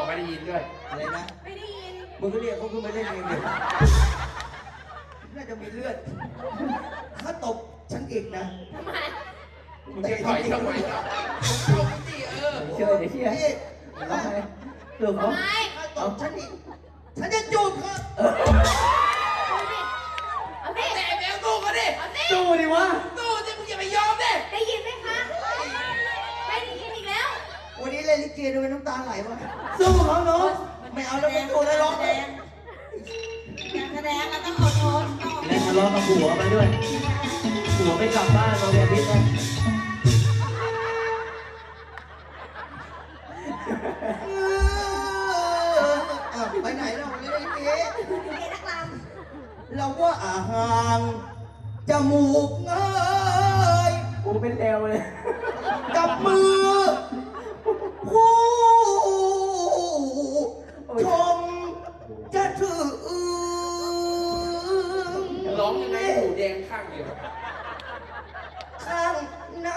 ไม่ได้ยินด้วยอะไรนะไม่ได้ยินมึงก็เรียกเขาขึ้นมาได้ยังไงน่าจะมีเลือดถ้าตบฉันอีกนะทำไมมึงจะถอยทำไมล่ะลงสิเชื่อเดี๋ยวเชื่อทำไมเรื่องเขาถ้าตบฉันอีกฉันจะจูบเธอเอาดิแต่แมวสู้กันดิสู้ดิวะสู้ดิมึงอย่าไปยอมดิได้ยินไหมคะไม่ได้ยินอีกแล้ววันนี้เล่นลิเกด้วยน้ำตาไหลวะสู้เขาเนาะไม่เอาแล้วไม่สู้แล้วร้องเลยการแสดงเราต้องอดทนเล่นทะเลาะกับผัวไปด้วยผัวไม่กลับบ้านเราเรียนพิษนะไปไหนเราเล่นลิเกนักลำเราว่าห่างจมูกเงยกูเป็นแอวเลยจับมือผู้ชมจะถือร้องยังไงหูแดงข้างเดียวข้างใน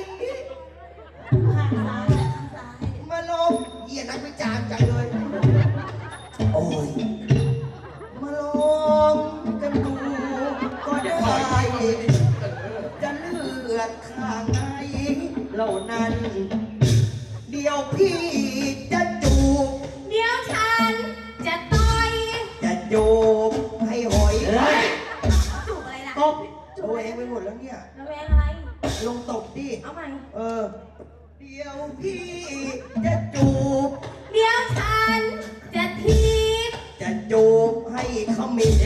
ข้างซ้ายมาลงเหี้ยนักวิจารณ์จังเลยโอ้ยมาลองกันดูก็ได้จะเลือกข้างไหนเหล่านั้นเดี๋ยวพี่จะจูบเดี๋ยวฉันจะต่อยจะจูบให้หอยจูบอะไรล่ะตบโอ้ยเองไปหมดแล้วเนี่ยระแวงอะไรลงตบดิเอาใหม่เดี๋ยวพี่จะจูบเดี๋ยวฉันจะทีบจะจูบให้ขมิ้น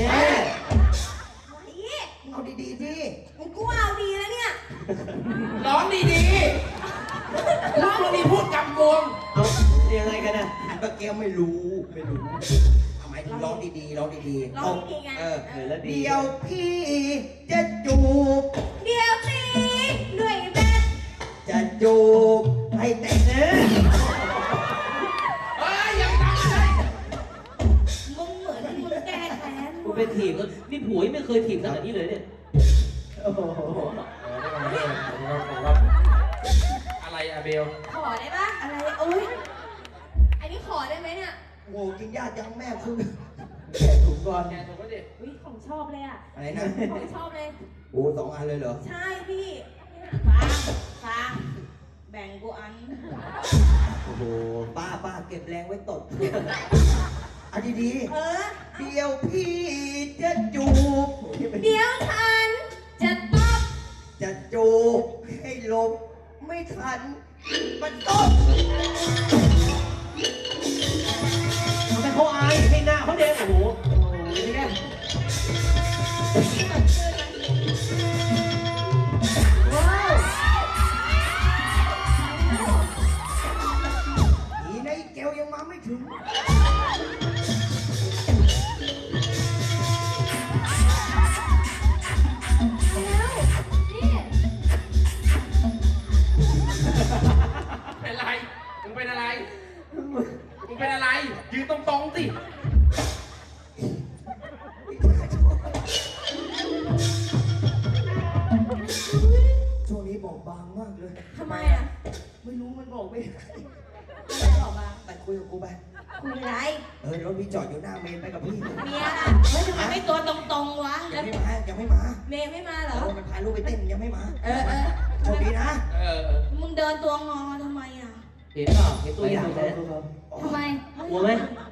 เอาดีๆดิมึงกูเอาดีแล้วเนี่ยร้องดีๆร้องดีพูดกำกวมเอายังไงกันนะเมื่อกี้ไม่รู้ทำไมร้องดีๆร้องดีๆร้องดีไงเดี๋ยวพี่จะจูบเดี๋ยวตีด้วยแบตจะจูบให้แต่เนื้อยังทำอะไรมึงเหมือนมึงแก้แค้นกูเป็นถีบก็นี่ผัวไม่เคยถีบขนาดนี้เลยเนี่ยโอ้โหอะไรอะเบลขอได้ปะอะไรโอ้ยอันนี้ขอได้ไหมเนี่ยโง่กินยากจังแม่คือแกถูกก่อนแกถูกก็ดิอุ้ยของชอบเลยอะอะไรนะของชอบเลยโอ้2 อันเลยเหรอใช่พี่ฟังแบ่งกูอันโอ้โหป้าเก็บแรงไว้ตบอันดีๆเดี๋ยวพี่จะจูบเดี๋ยวฉันจะตบจะจูบให้ลบไม่ทันมันตบทำไมเขาอายให้หน้าเขาแดงโอ้โหนี่ไงในแก้วยังมาไม่ถึงเป็นไรมึงเป็นอะไรมึงเป็นอะไรยืนตรงๆสิช่วงนี้บอกบางมากเลยทำไมอ่ะไม่รู้มันบอกไม่ได้บอกมาไปคุยกับกูไปคุยอะไรรถพี่จอดอยู่หน้าเมนไปกับพี่เมียล่ะเฮ้ยทำไมไม่ตัวตรงๆวะยังไม่มาเมย์ไม่มาเหรอมันพาลูกไปเต้นยังไม่มาโชคดีนะมึงเดินตัวงอทำไมอ่ะเห็นเปล่าเห็นตัวอย่างไหมทำไมกลัวไหม